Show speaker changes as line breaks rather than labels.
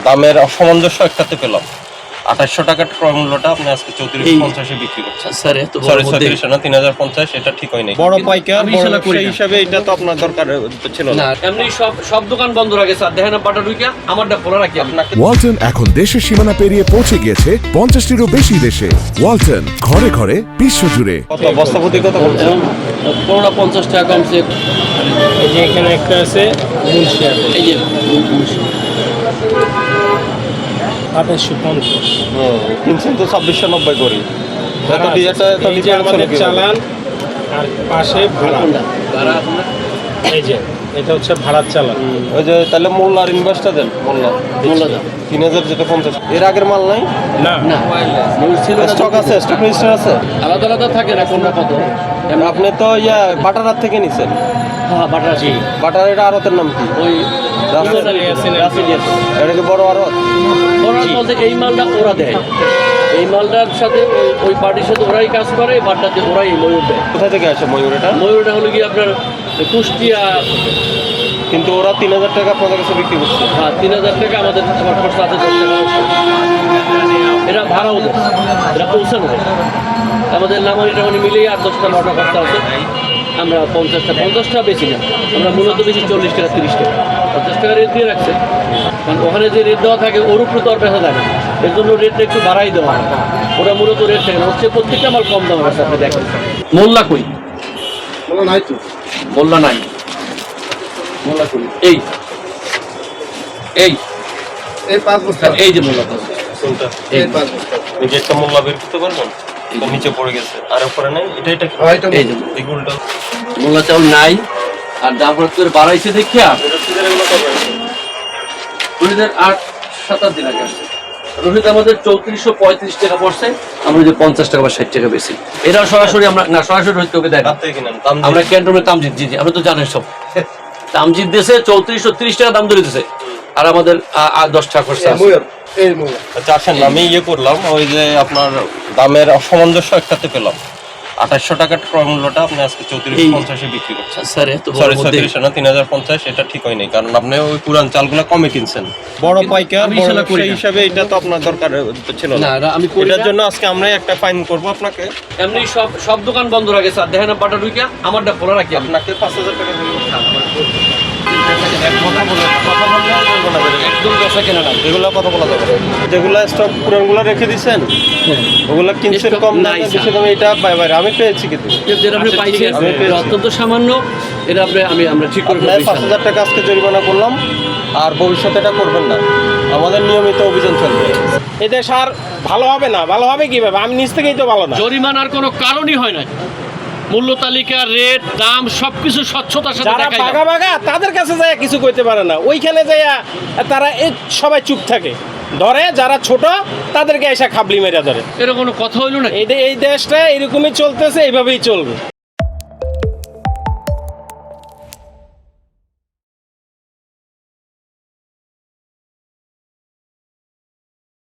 দামের অসামঞ্জস্য একটাতে পেলাম। 2800 টাকার ক্রয় মূল্যটা আপনি আজকে 3450 বিক্রি করছেন।
স্যার এত বড়
সরি
মধ্যে
3400 না 3050, এটা ঠিক হয় নাই। বড় পাইকার
আমি
বড়
শালা করি
ব্যবসায়ী
না।
হিসাবে এটা তো আপনার দরকার ছিল না।
না এমনি সব দোকান বন্ধ রাখে স্যার, দেখেন বাটা ঢুকিয়া আমারটা খোলা রাখি আপনাকে।
ওয়ালটন এখন দেশের সীমানা পেরিয়ে পৌঁছে গিয়েছে 50টিরও বেশি দেশে। ওয়ালটন ঘরে ঘরে বিশ্বজুড়ে।
কত বস্তা প্রতি কত বলছেন?
পুরোটা 50 টাকা কমছে।
এই যে এখানে একটা আছে মুন্সি আছে
এই যে
2850।
কিনছেন তো 2690 করি। এত
এই যে আমাদের চালান আর পাশে ভাড়া।
ভাড়া আপনার
এই যে এটা হচ্ছে ভাড়ার চালান।
ওই যে তাহলে মোল্লা আর ইনভেস্টটা দেন। মোল্লা
দাম
3000 যেটা 50, এর আগের মাল নাই?
না
না মূল ছিল না।
স্টক আছে, স্টক রেজিস্টার আছে।
আলাদা আলাদা থাকে না কোনটা কত।
আপনি তো বাটারার থেকে নিছেন।
হ্যাঁ বাটা জি
বাটার এটা আড়তের নাম কি?
ওই
এটা কি বড় আড়ত?
ওরা বলতে এই মালটা ওরা দেয়, এই মালটার সাথে ওই পার্টির সাথে ওরাই কাজ করে, এই বারটাতে ওরাই ময়ূর দেয়।
কোথা থেকে আসে ময়ূর এটা?
ময়ূরটা হলো কি আপনার কুষ্টিয়া।
কিন্তু ওরা 3000 টাকা আপনাদের কাছে বিক্রি করছে।
হ্যাঁ 3000 টাকা আমাদের আমার খরচ আছে 10 টাকা। এটা ভাড়া ওদের, এটা পৌঁছানো হয়। আমাদের নামানি টামানি মিলিয়ে 8-10টা 9টা খরচা আছে। আমরা 50টা বেশি না, আমরা মূলত বেশি 40 টাকা 30 টাকা 50 টাকা রেট দিয়ে রাখছে। কারণ ওখানে যে রেট দেওয়া থাকে ওর উপরে তো আর বেচা যায় না, এর জন্য রেটটা একটু বাড়াই দেওয়া হয়। ওরা মূলত রেট থাকে না, হচ্ছে প্রত্যেকটা মাল কম দাম আছে। আপনি দেখেন মোল্লা কই? মোল্লা নাই তো, মোল্লা নাই। মোল্লা কই? এই এই
এই 5 বস্তা
এই যে মোল্লা তো
কোনটা?
এই 5 বস্তা
এই যে একটা মোল্লা বের করতে পারবেন? এটা নিচে পড়ে গেছে আর উপরে নাই। এটা কি?
হয়তো
এই যে
এগুলোটা
মোল্লা চাউল নাই। আর দাম করে বাড়াইছে দেখিয়া রোহিতের 8-7 দিন আগে আসছে। রোহিত আমাদের 3435 টাকা পড়ছে, আমরা যে 50 টাকা বা 60 টাকা বেশি। এরা সরাসরি আমরা না, সরাসরি রোহিত ওকে দেয় না।
রাত থেকে কিনেন দাম
আমরা ক্যান্টনমেন্ট তামজিদ, জি আপনি তো জানেন সব। তামজিদ দেশে 3430 টাকা দাম ধরে দিতেছে, আর আমাদের 10 টাকা খরচা আছে।
ময়ূর এই ময়ূর
আচ্ছা আসেন, আমি করলাম ওই যে আপনার দামের অসামঞ্জস্য একটাতে পেলাম। 2800 টাকার ক্রয় মূল্যটা আপনি আজকে 3450 বিক্রি করছেন।
স্যার এত বড়
সরি
মধ্যে
3400 না 3050, এটা ঠিক হয় নাই। কারণ আপনি ওই পুরান চালগুলো কমে কিনছেন। বড় পাইকার
আমি
বড়
শালা করি
ব্যবসায়ী
না।
হিসাবে এটা তো আপনার দরকার ছিল
না
না।
আমি করি
এটার
না।
জন্য আজকে আমরা একটা ফাইন করব আপনাকে।
এমনি সব দোকান বন্ধ রাখে স্যার, দেখেন বাটা ঢুকিয়া আমারটা খোলা রাখি
আপনাকে 5000 টাকা দিতে কথা বললে বলবো না বেড়ে।
একদম বেচা কেনা নাই।
এগুলো কথা বলা যাবে না। যেগুলো স্টক পুরানগুলো রেখে দিচ্ছেন ওগুলো কিনছেন
Stock
কম
নাই,
দামে, বেশি
স্যার।
দামে। এটা বাইরে আমি পেয়েছি কিন্তু
যেটা আপনি পাইছেন
আমি পেয়েছি।
এটা অত্যন্ত সামান্য। এটা আমরা ঠিক করে
আপনার 5000 টাকা আজকে জরিমানা করলাম, আর ভবিষ্যতে এটা করবেন না। আমাদের নিয়মিত অভিযান চলবে।
এতে সার ভালো হবে না, ভালো হবে কিভাবে? আমি নিজ থেকেই তো ভালো না।
জরিমানার কোনো কারণই হয় না। মূল্য তালিকা, রেট, দাম সবকিছু স্বচ্ছতার সাথে
যারা
দেখাই
বাঘা বাঘা তাদের কাছে যায় কিছু করতে পারে না, ওইখানে যাইয়া তারা সবাই চুপ থাকে। ধরে যারা ছোট তাদেরকে এসে খাবলি মেরা ধরে।
এর কোনো কথা হইল না।
এই দেশটা এরকমই চলতেছে, এইভাবেই চলবে।